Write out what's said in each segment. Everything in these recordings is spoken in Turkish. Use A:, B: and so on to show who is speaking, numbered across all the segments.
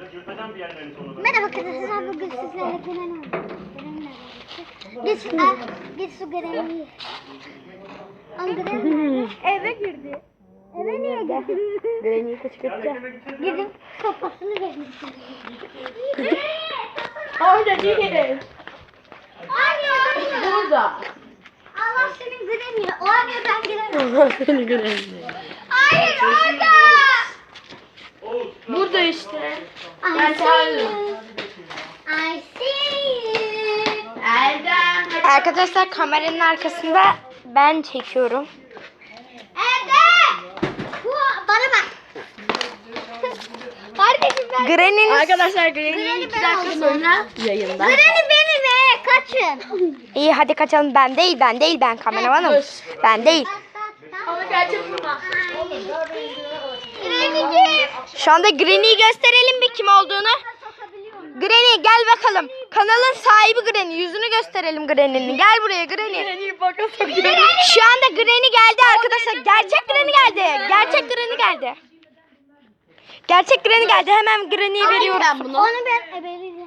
A: Merhaba arkadaşlar, bugün sizlerle Granny Git su Granny. Eve girdi. Eve niye girdi?
B: Granny'yi kışkırtacağım.
A: Gidip sopasını verdim.
B: Orada değil.
A: Hayır.
B: Burada.
A: Allah senin Granny. O arıyor, ben giremem.
B: Allah seni Granny.
A: Hayır, orada.
B: Burada işte.
A: I see you. I see you.
B: Erdem.
C: Arkadaşlar kameranın arkasında ben çekiyorum.
A: Erdem. Bana bak. Kardeşim ben.
C: Granny'nin
B: Arkadaşlar Granny
A: Granny
B: 2
A: ben
B: dakika
A: oldum.
B: sonra yayında.
A: Granny benim kaçın.
C: iyi hadi kaçalım, ben değil ben kameramanım. Ben değil.
B: Ama gerçek burada.
A: Granny'ciğim.
C: Şu anda Granny'yi gösterelim bir kim olduğunu. Granny gel bakalım. Kanalın sahibi Granny. Yüzünü gösterelim Granny'nin. Gel buraya Granny.
B: Granny'yi baka sokuyor.
C: Şu anda Granny geldi arkadaşlar. Gerçek Granny geldi. Gerçek Granny geldi. Gerçek Granny geldi. Hemen Granny'yi veriyorum.
B: Ben bunu.
A: Onu ben ebeleyeceğim.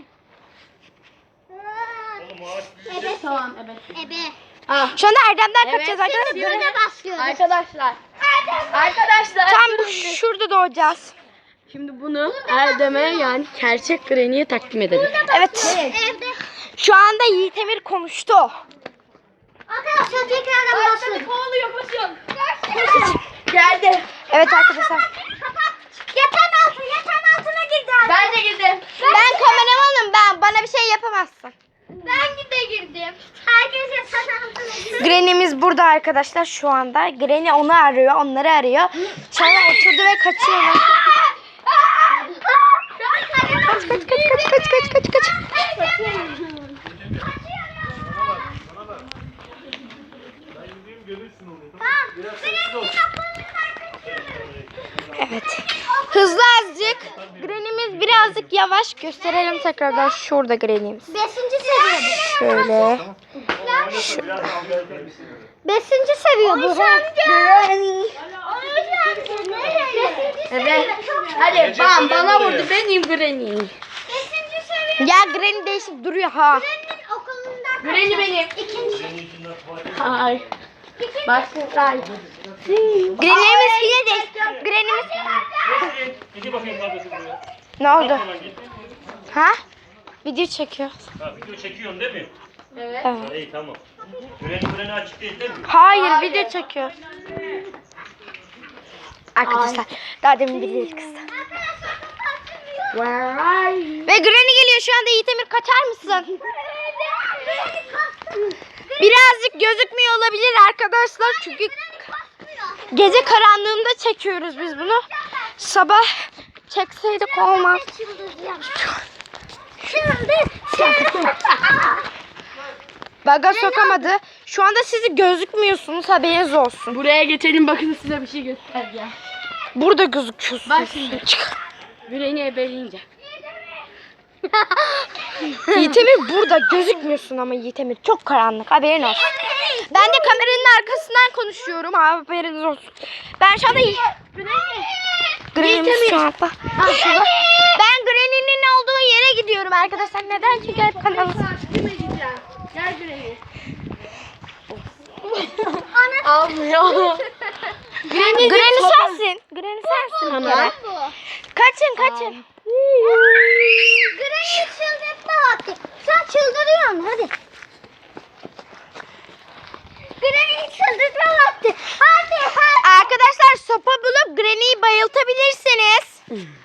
A: Ebe.
B: Tamam evet.
A: Ebe.
B: Ah.
C: Şu anda Erdem'den
B: Evet.
C: kaçacağız arkadaşlar.
A: Böyle başlıyoruz.
B: Arkadaşlar. Arkadaşlar.
C: Tam şurada doğacağız.
B: Şimdi bunu Erdem'e yani gerçek Granny'ye takdim edelim.
C: Evet.
A: Evde.
C: Şu anda Yiğit Emir konuştu.
A: Arkadaşlar tekrardan başlıyoruz.
B: Kovalıyor koşun. Geldi.
C: Evet arkadaşlar.
A: Kapat. Yatağın altına girdi abi.
B: Ben de girdim.
C: Ben kameramanım. Bana bir şey yapamazsın.
A: Ben de girdim. Herkes yatağın altına girdi.
C: Granny'miz burada arkadaşlar şu anda. Granny onu arıyor, onları arıyor. Sonra oturdu ve kaçıyor. Kaç. Evet. Hızlı azıcık. Granny'miz birazcık yavaş. Gösterelim tekrardan. Şurada Granny'miz.
A: 5. seviye bu.
C: Şöyle.
A: 5. seviye bu.
B: Evet. Hadi bam bana vurdu benim Granny.
A: 5. seviye.
C: Ya Granny değişip duruyor ha.
A: Granny'nin okulundan
B: Granny benim.
A: 2.
B: Ay. Başlayalım.
C: Granny'miz hile değil. Granny'miz...
D: Gidi bakayım kardeşim buraya.
C: Ne oldu?
D: Hemen git.
C: Ha? Video çekiyor.
D: Ha, video çekiyorsun değil mi?
B: Evet.
D: Ha, iyi tamam. Freni açık değil mi?
C: Hayır, video çekiyor. Arkadaşlar daha demin birileri kızdı.
B: Where are you?
C: Ve Granny geliyor şu anda. Yiğit Emir kaçar mısın? Birazcık gözükmüyor olabilir arkadaşlar. Çünkü gece karanlığında çekiyoruz biz bunu. Sabah çekseydik olmaz. Baga sokamadı. Şu anda sizi gözükmüyorsunuz, haberiniz olsun.
B: Buraya geçelim bakın size bir şey göstereceğim.
C: Burada gözüküyorsunuz.
B: Bak şimdi. Granny ebeleyince.
C: Yiğit Emir burada gözükmüyorsun ama Yiğit Emir çok karanlık, haberin olsun. Ben de kameranın arkasından konuşuyorum, haberiniz olsun. Ben şu anda Granny'miz şu anda. Şurada. Ben Granny'nin olduğu yere gidiyorum arkadaşlar. Neden? Çünkü hep kanalı.
B: Kime gideceğim? Gel Granny. Almıyor.
C: Granny sensin. Granny sensin bir kere. Kaçın.
A: Granny çıldırtma vakti. Sen çıldırıyorsun hadi. Granny çıldırtma vakti. Hadi.
C: Arkadaşlar sopa bulup Granny'yi bayıltabilirsiniz.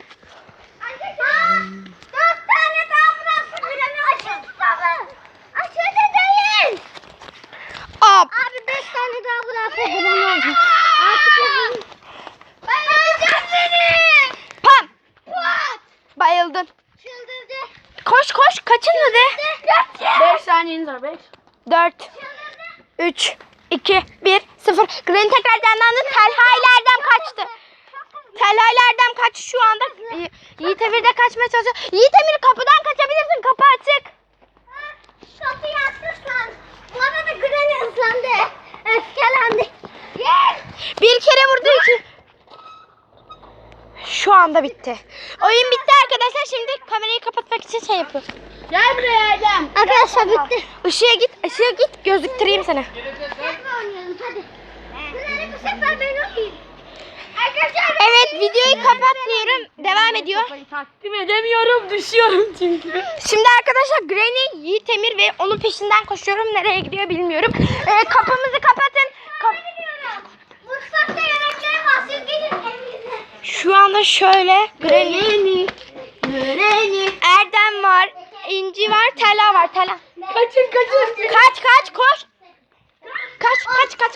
A: 4 tane daha bıraksın Granny. Açıldı baba. Açıldı değil.
C: Hop.
A: Abi 5 tane daha bıraksın Granny olacak. Artık yapalım. Ben öleceğim seni.
C: Pam.
A: What?
C: Bayıldın.
A: Çıldırdı.
C: Koş kaçın hadi.
B: 5 saniyeniz var 5.
C: 4 3 2 1 0. Granny tekrar canlandı. Telhaylardan kaçtı. Telhaylardan kaç şu anda. Yiğit Emir de kaçmaya çalışıyor. Yiğit Emir kapıdan kaçabilirsin. Kapı açık.
A: Kapıyı açırsan. Bu arada Granny ıslandı. Öfkelendi. Yes.
C: Bir kere vurdu iki. Şu anda bitti. Oyun bitti arkadaşlar. Şimdi kamerayı kapatmak için şey yapıyorum.
B: Gel buraya Erdem.
A: Arkadaşlar bitti.
C: Işığa git gözüktüreyim seni.
A: Oynayalım hadi. Bunları bu sefer ben oynayayım. Arkadaşlar
C: Evet videoyu kapatıyorum. Devam ediyor.
B: Takdim edemiyorum, düşüyorum çünkü.
C: Şimdi arkadaşlar Granny, Yiğit Emir ve onun peşinden koşuyorum. Nereye gidiyor bilmiyorum. Kapımızı kapatın.
A: mutfakta yemeklerim var. Siz gidin evinize.
C: Şu anda şöyle Granny,
A: Granny.
C: Erdem var, İnci var, Tela var. Tela.
B: Kaçın.
C: Kaç koş. Kaç.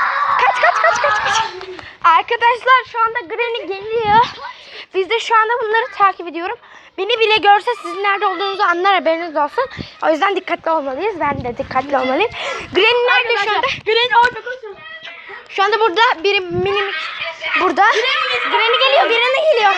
C: Arkadaşlar şu anda Granny geliyor. Biz de şu anda bunları takip ediyorum. Beni bile görse sizin nerede olduğunuzu anlar, haberiniz olsun. O yüzden dikkatli olmalıyız. Ben de dikkatli olmalıyım. Granny nerede şu anda?
B: Granny orada koşun.
C: Şu anda burada biri minik burada. Granny geliyor, geliyor.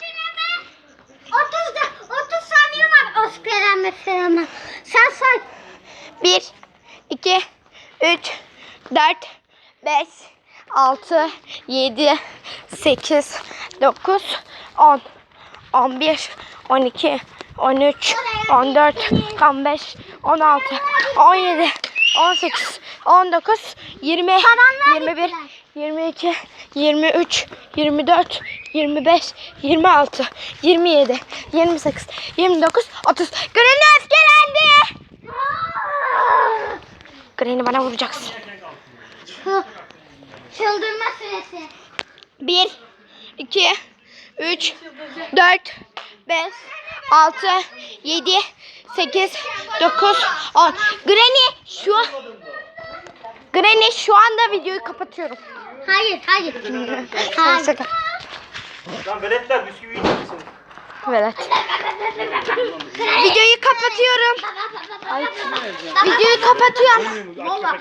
A: 30 saniye var. Oscar'a mesela. Sen say.
C: 1, 2, 3, 4, 5, 6, 7, 8, 9, 10, 11, 12, 13, 14, 15, 16, 17, 18, 19, 20, 21, 22, 23, 24, 25, 26, 27, 28, 29, 30. Granny öfkelendi. Granny bana vuracaksın.
A: Çıldırma süresi.
C: 1, 2, 3, 4, 5, 6, 7, 8, 9, 10. Granny şu anda videoyu kapatıyorum.
A: Hayır.
C: Şaka.
D: Lan veletler bisküvi yiyeceksin.
C: Evet. Videoyu kapatıyorum. Videoyu kapatıyorum.
B: Valla